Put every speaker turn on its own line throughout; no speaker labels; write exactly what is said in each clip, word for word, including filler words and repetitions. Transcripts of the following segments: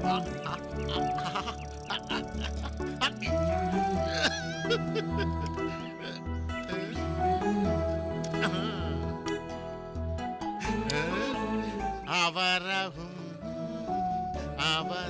അവരഹും അവർ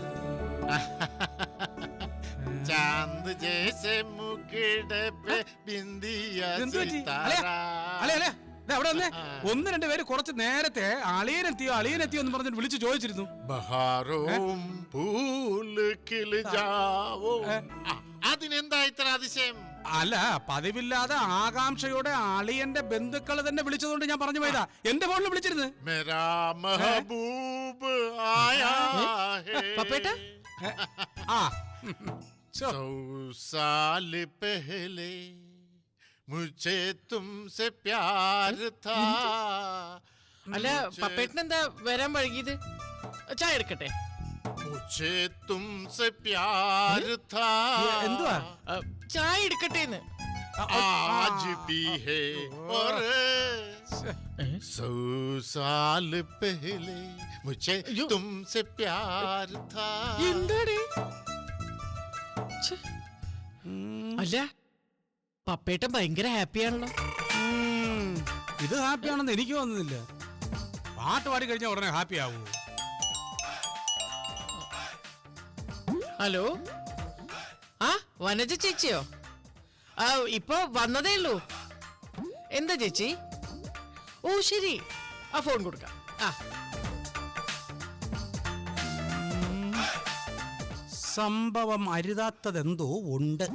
चांद जैसे मुकुट पे बिंदिया सितारा
ഒന്ന് രണ്ട് പേര് കുറച്ച് നേരത്തെ അളിയനെത്തിയോ അളിയനെത്തിയോ എന്ന് പറഞ്ഞിട്ട് വിളിച്ചു ചോദിച്ചിരുന്നു.
ബഹാറും പൂല് കിളിജാവോ. അതിനെന്താ ഇത്ര അതിശയം?
അല്ല, പതിവില്ലാതെ ആകാംക്ഷയോടെ അളിയന്റെ ബന്ധുക്കൾ തന്നെ വിളിച്ചതുകൊണ്ട് ഞാൻ പറഞ്ഞു പോയതാ. എന്റെ ഫോണിൽ വിളിച്ചിരുന്നു.
മേരാ മെഹബൂബ് ആയാ ഹേ.
പപ്പേട്ടാ,
ആ
सौ साल पहले मुझे तुमसे प्यार था.
അല്ല പപ്പേട്ടൻ എന്താ വരാൻ വൈകിയത്? ചായ എടുക്കട്ടെ?
मुझे तुमसे प्यार था.
എന്തുവാ?
ചായ എടുക്കട്ടെന്ന്.
आज भी है और सौ साल पहले मुझे तुमसे प्यार था.
എന്താണ്? അല്ല പപ്പേട്ടൻ ഭയങ്കര ഹാപ്പിയാണല്ലോ.
ഇത് ഹാപ്പിയാണെന്ന് എനിക്ക് തോന്നുന്നില്ല. പാട്ട് പാടി കഴിഞ്ഞാൽ ഉടനെ ഹാപ്പി ആവൂ.
ഹലോ, ആ വനജ ചേച്ചിയോ? ആ ഇപ്പൊ വന്നതേ ഉള്ളൂ. എന്താ ചേച്ചി? ഓ ശരി, ആ ഫോൺ കൊടുക്കാം. ആ
സംഭവം അരുതാത്തതെന്തോ ഉണ്ട്.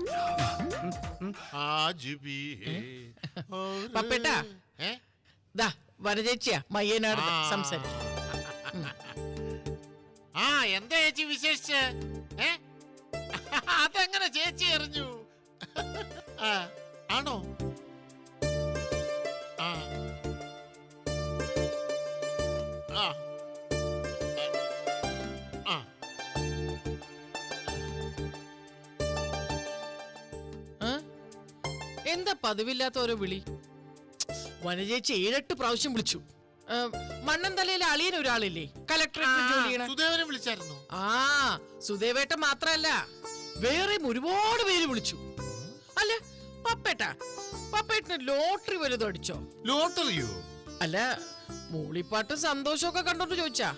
പപ്പേട്ടാ, ദാ വനജേച്ചിയാ മയ്യനാട് സംസാരിച്ചു.
ആ എന്താ ചേച്ചി വിശേഷിച്ച്? അതെങ്ങനെ ചേച്ചി അറിഞ്ഞു? ആണോ? ആ ആ
എന്താ പതിവില്ലാത്ത ഓരോ വിളി? വനജേച്ചി ഏഴെട്ട് പ്രാവശ്യം വിളിച്ചു. മണ്ണന്തലയിലെ അളിയൻ ഒരാളില്ലേ കലക്ടറേറ്റ് ജോലി ചെയ്യണ?
സുദേവനെ വിളിച്ചായിരുന്നു.
ആ സുദേവേട്ടൻ മാത്രല്ല, വേറെയും ഒരുപാട് പേര് വിളിച്ചു. അല്ല പപ്പേട്ടാ, പപ്പേട്ടന് ലോട്ടറി വലുതും അടിച്ചോ?
ലോട്ടറിയോ?
അല്ല മൂളിപ്പാട്ടും സന്തോഷമൊക്കെ കണ്ടോണ്ട് ചോദിച്ചാ.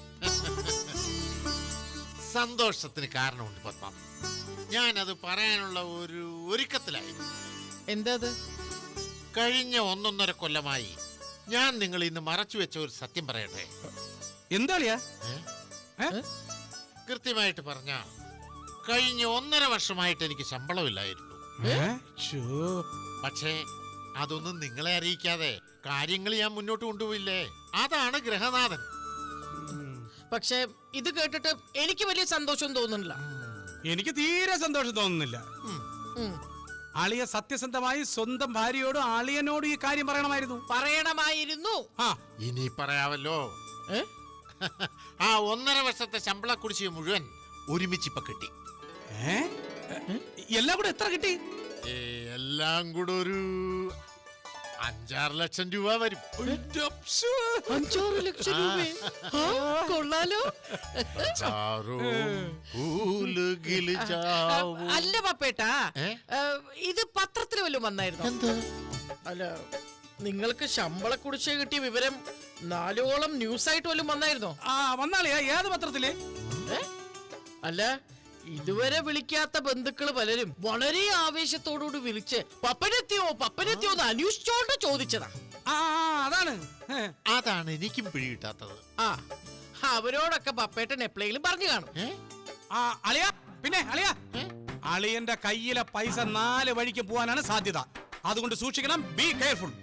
സന്തോഷത്തിന് കാരണമുണ്ട് പത്മ. ഞാനത് പറയാനുള്ള ഒരു ഒരുക്കത്തിലായിരുന്നു.
എന്താ അത്?
കഴിഞ്ഞ ഒന്നൊന്നര കൊല്ലമായി ഞാൻ നിങ്ങൾ ഇന്ന് മറച്ചു വെച്ച ഒരു സത്യം പറയട്ടെ.
എന്താളിയാ?
കൃത്യമായിട്ട് പറഞ്ഞ കഴിഞ്ഞ ഒന്നര വർഷമായിട്ട് എനിക്ക് ശമ്പളമില്ലായിരുന്നു. പക്ഷേ അതൊന്നും നിങ്ങളെ അറിയിക്കാതെ കാര്യങ്ങൾ ഞാൻ മുന്നോട്ട് കൊണ്ടുപോയില്ലേ. അതാണ് ഗ്രഹനാഥൻ.
പക്ഷെ ഇത് കേട്ടിട്ട് എനിക്ക് വലിയ സന്തോഷം തോന്നുന്നില്ല.
എനിക്ക് തീരെ സന്തോഷം തോന്നുന്നില്ല. അളിയ സത്യസന്ധമായി സ്വന്തം ഭാര്യയോടും അളിയനോടും ഈ കാര്യം പറയണമായിരുന്നു.
പറയണമായിരുന്നു.
ഇനി പറയാമല്ലോ. ആ ഒന്നര വർഷത്തെ ശമ്പള കുടിശ്ശിക മുഴുവൻ ഒരുമിച്ച് ഇപ്പൊ കിട്ടി.
എല്ലാം കൂടെ എത്ര കിട്ടി?
എല്ലാം കൂടെ ഒരു അഞ്ചാറ് ലക്ഷം രൂപ വരും.
അഞ്ചാറ് ലക്ഷം രൂപ കൊള്ളാലോ. അല്ല പപ്പേട്ടാ, ഇത് പത്രത്തിൽ വല്ലതും വന്നായിരുന്നു? അല്ല നിങ്ങൾക്ക് ശമ്പള കുടിശ്ശിക കിട്ടിയ വിവരം നാലോളം ന്യൂസ് ആയിട്ട് വല്ലതും വന്നായിരുന്നോ?
ആ വന്നാളിയാ. ഏത് പത്രത്തില്?
അല്ല ഇതുവരെ വിളിക്കാത്ത ബന്ധുക്കള് പലരും വളരെ ആവേശത്തോടുകൂടി വിളിച്ച് പപ്പനെത്തിയോ പപ്പനെത്തിയോ എന്ന് അന്വേഷിച്ചോണ്ട് ചോദിച്ചതാ.
ആ അതാണ്
അതാണ് എനിക്കും പിടികിട്ടാത്തത്.
ആ അവരോടൊക്കെ പപ്പേട്ടൻ എപ്പോഴെങ്കിലും പറഞ്ഞു കാണും.
ആ അളിയ പിന്നെ അളിയ അളിയന്റെ കയ്യിലെ പൈസ നാല് വഴിക്ക് പോവാനാണ് സാധ്യത. അതുകൊണ്ട് സൂക്ഷിക്കണം. Be careful.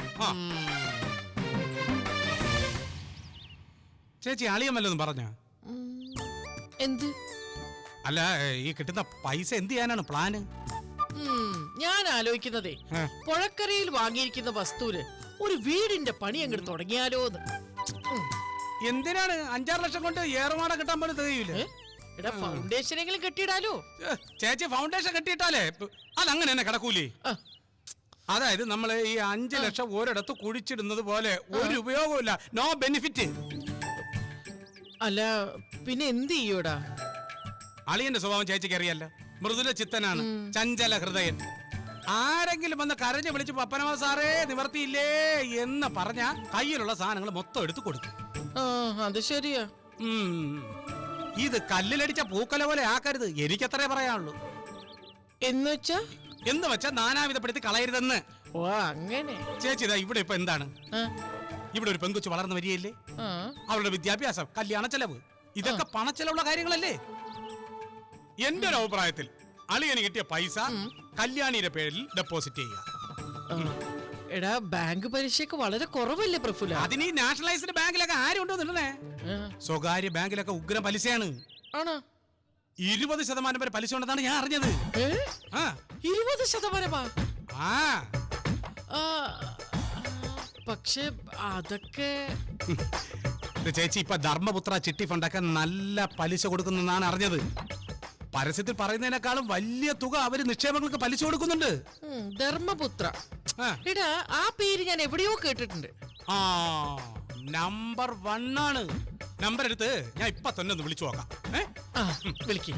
ചേച്ചി അളിയൻ വല്ലതും പറഞ്ഞ?
എന്ത്?
അല്ല ഈ കിട്ടുന്ന പൈസ എന്ത് ചെയ്യാനാണ് പ്ലാന്?
ഞാൻ ആലോചിക്കുന്നതേ, പുഴക്കരയിൽ വാങ്ങിയിരിക്കുന്ന വസ്തുവിന് ഒരു വീടിന്റെ പണി അങ്ങോട്ട് തുടങ്ങിയാലോ.
എന്തിനാണ്? അഞ്ചാറ് ലക്ഷം കൊണ്ട് ഏറുമാട കിട്ടാൻ പോലും തികയൂലേ?
എടാ ഫൗണ്ടേഷനെങ്കിലും കെട്ടിയിടാലോ.
ചേച്ചി ഫൗണ്ടേഷൻ കെട്ടിയിട്ടാലേ അതങ്ങനെ തന്നെ കിടക്കൂലേ? അതായത് നമ്മള് ഈ അഞ്ചു ലക്ഷം ഒരിടത്ത് കുഴിച്ചിടുന്നത് പോലെ ഒരു ഉപയോഗമില്ല. No benefit.
അല്ല പിന്നെ എന്ത് ചെയ്യൂടാ?
അളിയന്റെ സ്വഭാവം ചേച്ചിക്ക് അറിയാലോ, മൃദുല ചിത്തനാണ്, ചഞ്ചല ഹൃദയൻ. ആരെങ്കിലും വന്ന് കരഞ്ഞു വിളിച്ച് പപ്പനമാ സാറേ നിവർത്തിയില്ലേ എന്ന് പറഞ്ഞ കയ്യിലുള്ള സാധനങ്ങൾ മൊത്തം എടുത്ത് കൊടുക്കും.
ആ അത് ശരിയാ.
ഉം. ഇത് കല്ലിലടിച്ച പൂക്കല പോലെ ആക്കരുത്, എനിക്കത്രേ പറയാനുള്ളൂ.
എന്നുവെച്ചാ
എന്ന് വെച്ചാ നാനാവിധപ്പെടുത്തി കളയരുതെന്ന്.
ഓ അങ്ങനെ.
ചേച്ചി ഇതാ ഇവിടെ ഇപ്പൊ എന്താണ്,
ആ,
ഇവിടെ ഒരു പെങ്കുച്ച് വളർന്നു വരികയല്ലേ,
ആ.
അവളുടെ വിദ്യാഭ്യാസം, കല്യാണ ചെലവ്, ഇതൊക്കെ പണച്ചെലവുള്ള കാര്യങ്ങളല്ലേ. എന്റെ ഒരു അഭിപ്രായത്തിൽ അളിയന് കിട്ടിയ പൈസ കല്യാണിയുടെ പേരിൽ ഡെപ്പോസിറ്റ് ചെയ്യുക.
ആ. എടാ ബാങ്ക് പലിശയൊക്കെ വളരെ കുറവല്ലേ പ്രഫുല?
അതിന് ഈ നാഷണലൈസ്ഡ് ബാങ്കിലൊക്കെ ആരും ഉണ്ടോ നിന്നേ?
ആ.
സ്വകാര്യ ബാങ്കിലൊക്കെ ഉഗ്രം പലിശയാണ്.
ആണോ?
ഇരുപത് ശതമാനം വരെ പലിശ ഉണ്ടെന്നാണ് ഞാൻ അറിഞ്ഞത്.
ഏ?
ആ
ഇരുപത് ശതമാനമാ?
ആ
ആ, പക്ഷെ അതൊക്കെ
ഇത് ചേച്ചി ഇപ്പൊ ധർമ്മപുത്ര ചിട്ടി ഫണ്ടൊക്കെ നല്ല പലിശ കൊടുക്കുന്നെന്നാണ് അറിഞ്ഞത്. പരസ്യത്തിൽ പറയുന്നതിനേക്കാളും വലിയ തുക അവര് നിക്ഷേപങ്ങൾക്ക് പലിശ കൊടുക്കുന്നുണ്ട്.
ഉം, ധർമ്മപുത്ര.
ആ.
എടാ ആ പേര് ഞാൻ എവിടെയോ കേട്ടിട്ടുണ്ട്.
ആ നമ്പർ വൺ ആണ്. നമ്പർ എടുത്ത് ഞാൻ ഇപ്പൊ തന്നെ ഒന്ന് വിളിച്ചു നോക്കാം. ഏ?
ആ വിളിക്ക്.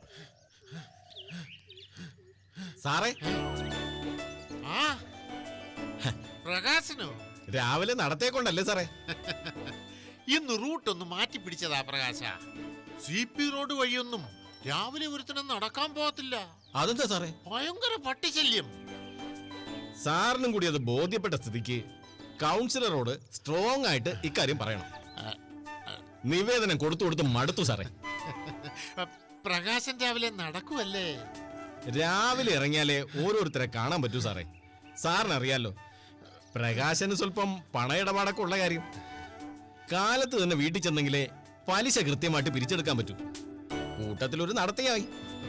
സാറേ,
ആ പ്രകാശനോ?
രാവിലെ നടത്തേക്കൊണ്ടല്ലേ സാറേ?
ഇന്ന് റൂട്ട് ഒന്ന് മാറ്റി പിടിച്ചതാ പ്രകാശ. സി പി റോഡ് വഴിയൊന്നും രാവിലെ ഒരുത്തനം നടക്കാൻ പോകത്തില്ല.
അതെന്താ സാറേ?
ഭയങ്കര പട്ടിശല്യം.
സാറിനും കൂടി അത് ബോധ്യപ്പെട്ട സ്ഥിതിക്ക് കൗൺസിലറോട് സ്ട്രോങ് ആയിട്ട് ഇക്കാര്യം പറയണം. നിവേദനം കൊടുത്തു കൊടുത്ത് മടുത്തു സാറേ.
പ്രകാശൻ രാവിലെ നടക്കുവല്ലേ?
രാവിലെ ഇറങ്ങിയാലേ ഓരോരുത്തരെ കാണാൻ പറ്റൂ സാറേ. സാറിനറിയാലോ, പ്രകാശന് സ്വല്പം പണയിടപാടൊക്കെ ഉള്ള കാര്യം. കാലത്ത് തന്നെ വീട്ടിൽ ചെന്നെങ്കിലേ പലിശ കൃത്യമായിട്ട് പിരിച്ചെടുക്കാൻ പറ്റൂ. കൂട്ടത്തിലൊരു നടത്തിയായി.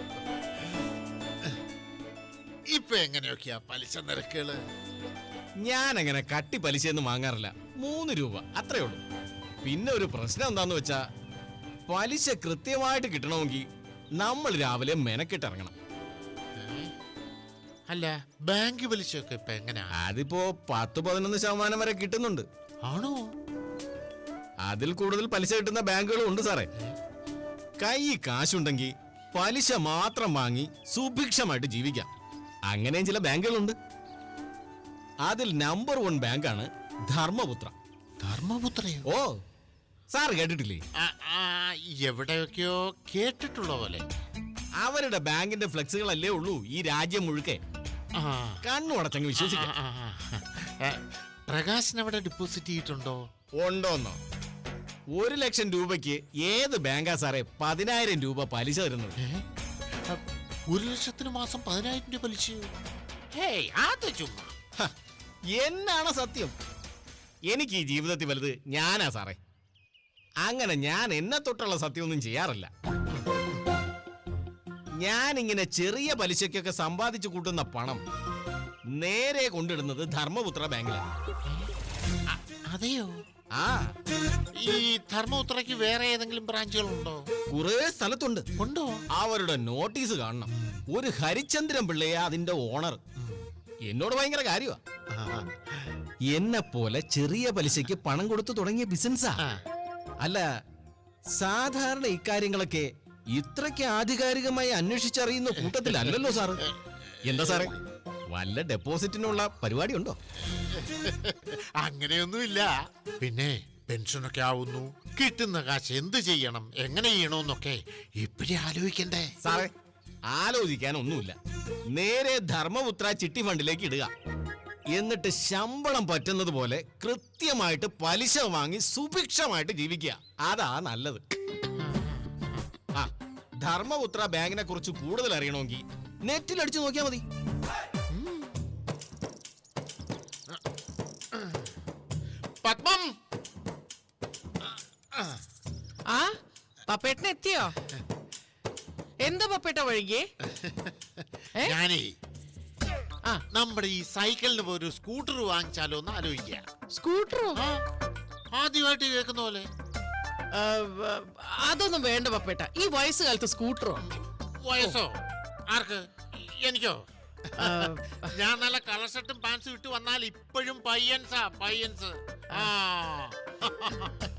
ഇപ്പൊ എങ്ങനെയൊക്കെയാ പലിശ നിരക്കുകള്?
ഞാൻ അങ്ങനെ കട്ടി പലിശയൊന്നും വാങ്ങാറില്ല. മൂന്ന് രൂപ അത്രേ ഉള്ളൂ. പിന്നെ ഒരു പ്രശ്നം എന്താന്ന് വെച്ചാ, പലിശ കൃത്യമായിട്ട് കിട്ടണമെങ്കിൽ നമ്മൾ രാവിലെ മെനക്കെട്ടിറങ്ങണം.
അല്ല ബാങ്ക് പലിശയൊക്കെ ഇപ്പൊ എങ്ങനെയാ?
അതിപ്പോ പത്ത് പതിനൊന്ന് ശതമാനം വരെ കിട്ടുന്നുണ്ട്.
ആണോ?
അതിൽ കൂടുതൽ പലിശ കിട്ടുന്ന ബാങ്കുകളും ഉണ്ട് സാറേ. കൈ കാശുണ്ടെങ്കിൽ പലിശ മാത്രം വാങ്ങി സുഭിക്ഷമായിട്ട് ജീവിക്കാം. അങ്ങനെയും ചില ബാങ്കുകളുണ്ട്. അതിൽ നമ്പർ വൺ ബാങ്കാണ് ധർമ്മപുത്ര.
ധർമ്മപുത്രയോ?
ഓ, സാർ കേട്ടിട്ടില്ലേ?
ആ, ആ, എവിടെയൊക്കെയോ കേട്ടിട്ടുള്ള പോലെ.
അവരുടെ ബാങ്കിന്റെ ഫ്ലെക്സുകളല്ലേ ഉള്ളൂ ഈ രാജ്യം മുഴുക്കെ.
ആ,
കണ്ണു അടച്ചങ്ങ്
ആ,
വിശ്വസിക്കാം.
ആ, ആ. പ്രകാശൻ അവിടെ ഡെപ്പോസിറ്റ് ചെയ്തിട്ടുണ്ടോ?
ഉണ്ടോന്നോ? ഒരു ലക്ഷം രൂപയ്ക്ക് ഏത് ബാങ്കാ സാറേ പതിനായിരം രൂപ പലിശ തരുന്നത്?
ഏ? അ, ഒരു ലക്ഷത്തിന് മാസം പതിനായിരം രൂപ പലിശ? ഹേയ് അത് ചുമ്മാ.
ഹ, എന്നാണ് സത്യം? എനിക്ക് ഈ ജീവിതത്തിൽ വലുത് ഞാനാ സാറേ. അങ്ങനെ ഞാൻ എന്നെ തൊട്ടുള്ള സത്യമൊന്നും ചെയ്യാറില്ല. ഞാനിങ്ങനെ ചെറിയ പലിശയ്ക്കൊക്കെ സമ്പാദിച്ചു കൂട്ടുന്ന പണം നേരെ കൊണ്ടിടുന്നത് ധർമ്മപുത്ര ബാങ്കിലാണ്.
അ, അതെയോ?
ആ,
ഈ ധർമ്മപുത്രയ്ക്ക് വേറെ ഏതെങ്കിലും ബ്രാഞ്ചുകളുണ്ടോ?
കുറെ സ്ഥലത്തുണ്ട്.
ഉണ്ടോ?
അവരുടെ നോട്ടീസ് കാണണം. ഒരു ഹരിചന്ദ്രൻ പിള്ളയാ അതിന്റെ ഓണർ. എന്നോട് ഭയങ്കര കാര്യമാ.
ആ,
എന്നെ പോലെ ചെറിയ പലിശയ്ക്ക് പണം കൊടുത്തു തുടങ്ങിയ ബിസിനസ്സാ.
ആ.
അല്ല, സാധാരണ ഇക്കാര്യങ്ങളൊക്കെ ഇത്രയ്ക്ക് ആധികാരികമായി അന്വേഷിച്ചറിയുന്ന കൂട്ടത്തിലല്ലല്ലോ സാറ്. എന്താ സാറേ, വല്ല ഡെപ്പോസിറ്റിനുള്ള പരിപാടി ഉണ്ടോ?
അങ്ങനെയൊന്നുമില്ല. പിന്നെ പെൻഷനൊക്കെ ആവുന്നു, കിട്ടുന്ന കാശ് എന്ത് ചെയ്യണം, എങ്ങനെ ചെയ്യണമെന്നൊക്കെ ഇപ്പഴേ ആലോചിക്കണ്ടേ?
സാറേ, ആലോചിക്കാനൊന്നുമില്ല. നേരെ ധർമ്മപുത്ര ചിട്ടി ഫണ്ടിലേക്ക് ഇടുക. എന്നിട്ട് ശമ്പളം പറ്റുന്നത് പോലെ കൃത്യമായിട്ട് പലിശ വാങ്ങി സുഭിക്ഷമായിട്ട് ജീവിക്കുക. അതാ നല്ലത്. ആ, ധർമ്മപുത്ര ബാങ്കിനെ കുറിച്ച് കൂടുതൽ അറിയണമെങ്കിൽ നെറ്റിൽ അടിച്ചു നോക്കിയാൽ മതി.
പത്മം,
ആ പപ്പേട്ടൻ എത്തിയോ? എന്താ പപ്പേട്ട വഴികേ? ഏ?
ഞാനേ
ആ
നമ്മുടെ ഈ സൈക്കിളിന് പോയി ഒരു സ്കൂട്ടർ വാങ്ങിച്ചാലോ എന്ന് ആലോചിക്കുക.
സ്കൂട്ടറോ?
ആ, ആദ്യമായിട്ട് കേൾക്കുന്ന പോലെ.
ആ, വ- അതൊന്നും വേണ്ട പപ്പേട്ട. ഈ വയസ്സുകാലത്ത് സ്കൂട്ടറോ?
വയസ്സോ? ആർക്ക്? എനിക്കോ?
ആ,
ഞാൻ നല്ല കളർ ഷർട്ടും പാൻസും ഇട്ട് വന്നാൽ ഇപ്പോഴും പയ്യൻസാ പയ്യൻസ്. ആ,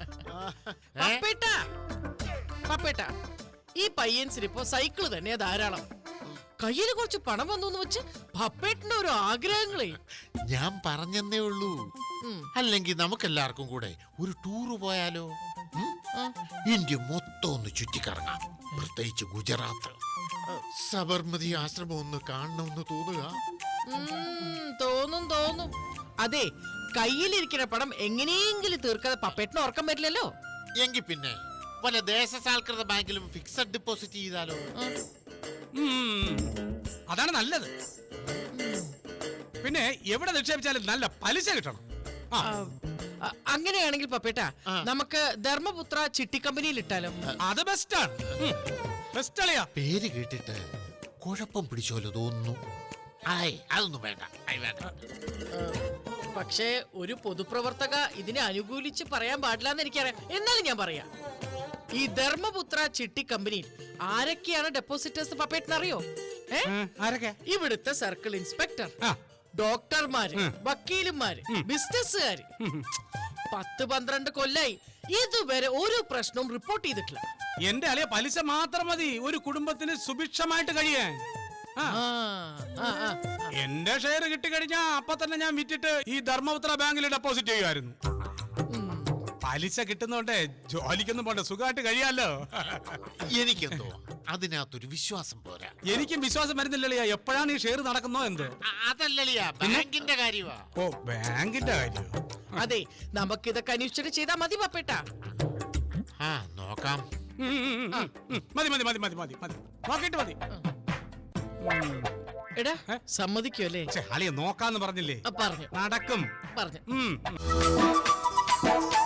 ഏ?
പപ്പേട്ട പപ്പേട്ട ഈ പയ്യൻസിന് ഇപ്പൊ സൈക്കിള് തന്നെ ധാരാളം. കയ്യിൽ കുറച്ച് പണം വന്നു വെച്ച് പപ്പേട്ടന്റെ ഒരു ആഗ്രഹങ്ങളെ.
ഞാൻ പറഞ്ഞെന്നേ ഉള്ളൂ.
ഉം.
അല്ലെങ്കിൽ നമുക്കെല്ലാവർക്കും കൂടെ ഒരു ടൂറ് പോയാലോ? ഉം? ഇന്ത്യ മൊത്തം ഒന്ന് ചുറ്റിക്കറങ്ങാം, പ്രത്യേകിച്ച് ഗുജറാത്ത്. സബർമതി ആശ്രമം ഒന്ന് കാണണമെന്ന് തോന്നുക.
ഉം, തോന്നും തോന്നും. അതെ, കയ്യിലിരിക്കുന്ന പണം എങ്ങനെയെങ്കിലും തീർക്കാതെ പപ്പേട്ടിന് ഉറക്കം വരില്ലല്ലോ.
എങ്കിൽ പിന്നെ വല്ല ദേശസാൽകൃത ബാങ്കിലും ഫിക്സഡ് ഡെപ്പോസിറ്റ് ചെയ്താലോ?
ഉം, അതാണ് നല്ലത്. പിന്നെ എവിടെ നിക്ഷേപിച്ചാലും നല്ല പലിശ കിട്ടണം. ആ,
ആ, അ- അങ്ങനെയാണെങ്കിൽ പപ്പേട്ട
ആ.
നമുക്ക് ധർമ്മപുത്ര ചിട്ടി കമ്പനിയിൽ ഇട്ടാലോ?
അത് ബെസ്റ്റാണ്. ബെസ്റ്റ് അളിയാ.
പേര് കേട്ടിട്ട് കുഴപ്പം പിടിച്ചോലോ തോന്നുന്നു. ആയ് അതൊന്നും വേണ്ട. ആയ് വേണ്ട.
പക്ഷേ ഒരു പൊതുപ്രവർത്തക ഇതിനെ അനുകൂലിച്ച് പറയാൻ പാടില്ലെന്ന് എനിക്കറിയാം. എന്നാലും ഞാൻ പറയാം, ഈ ധർമ്മപുത്ര ചിട്ടി കമ്പനിയിൽ ആരൊക്കെയാണ് ഡെപ്പോസിറ്റേഴ്സ് പപ്പേട്ടിന് അറിയോ? ഏ
ഏ, ആരൊക്കെ?
ഇവിടുത്തെ സർക്കിൾ ഇൻസ്പെക്ടർ,
ആ,
ഡോക്ടർമാര്, വക്കീലുമാര്, ബിസിനസ്സുകാര്. പത്ത് പന്ത്രണ്ട് കൊല്ലായി ഇതുവരെ ഒരു പ്രശ്നവും റിപ്പോർട്ട് ചെയ്തിട്ടില്ല.
എന്റെ അളിയ പലിശ മാത്രം മതി ഒരു കുടുംബത്തിന് സുഭിക്ഷമായിട്ട് കഴിയാൻ. ആ,
ആ, ആ, ആ.
എന്റെ ഷെയർ കിട്ടിക്കഴിഞ്ഞാ അപ്പൊ തന്നെ ഞാൻ വിറ്റിട്ട് ഈ ധർമ്മപുത്ര ബാങ്കിൽ ഡെപ്പോസിറ്റ് ചെയ്യുമായിരുന്നു.
ഉം.
പലിശ കിട്ടുന്നോണ്ടേ ജോലിക്കൊന്നും പോണ്ട, സുഖമായിട്ട് കഴിയാലോ.
എനിക്കെന്തോ അതിനകത്തൊരു വിശ്വാസം പോരാ.
എനിക്കും വിശ്വാസം വരുന്നില്ലളിയാ, എപ്പോഴാണ് ഈ ഷെയർ നടക്കുന്നോ എന്ത്.
അ- അതല്ലല്ലയാ, ബാങ്കിന്റെ കാര്യമാ.
ഓ, ബാങ്കിന്റെ കാര്യം.
അതെ, നമുക്കിതൊക്കെ അന്വേഷിച്ചിട്ട് ചെയ്താൽ മതി പപ്പേട്ട.
ആ നോക്കാം.
ഉം, ഉം, ഉം, ഉം, ഉം. മതി മതി മതി മതി മതി മതി നോക്കിയിട്ട് മതി.
എടാ സമ്മതിക്കോ അല്ലേ?
ഛെ, അളിയ നോക്കാന്ന് പറഞ്ഞില്ലേ,
ആ, പറഞ്ഞു
നടക്കും.
പറഞ്ഞു
ഉം, ഉം.